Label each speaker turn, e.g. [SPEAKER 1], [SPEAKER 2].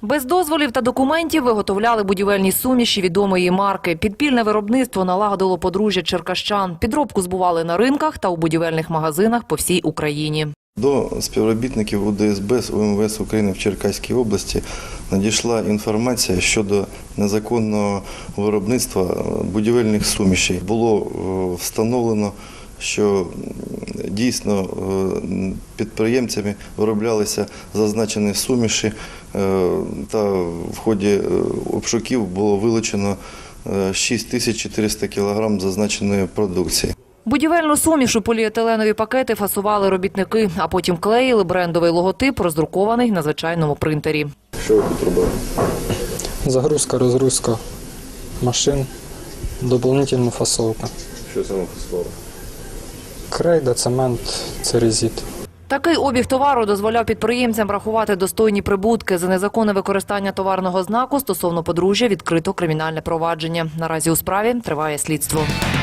[SPEAKER 1] Без дозволів та документів виготовляли будівельні суміші відомої марки. Підпільне виробництво налагодило подружжя черкащан. Підробку збували на ринках та у будівельних магазинах по всій Україні.
[SPEAKER 2] До співробітників УДСБ УМВС України в Черкаській області надійшла інформація щодо незаконного виробництва будівельних сумішей. Було встановлено, що дійсно підприємцями вироблялися зазначені суміші, та в ході обшуків було вилучено 6400 кг зазначеної продукції.
[SPEAKER 1] Будівельну суміш у поліетиленові пакети фасували робітники, а потім клеїли брендовий логотип, роздрукований на звичайному принтері.
[SPEAKER 2] Що ви тут робили?
[SPEAKER 3] Загрузка, розгрузка машин, доповнительна фасовка.
[SPEAKER 2] Що саме фасували?
[SPEAKER 3] Крейда, цемент, церезит.
[SPEAKER 1] Такий обіг товару дозволяв підприємцям рахувати достойні прибутки. За незаконне використання товарного знаку стосовно подружжя відкрито кримінальне провадження. Наразі у справі триває слідство.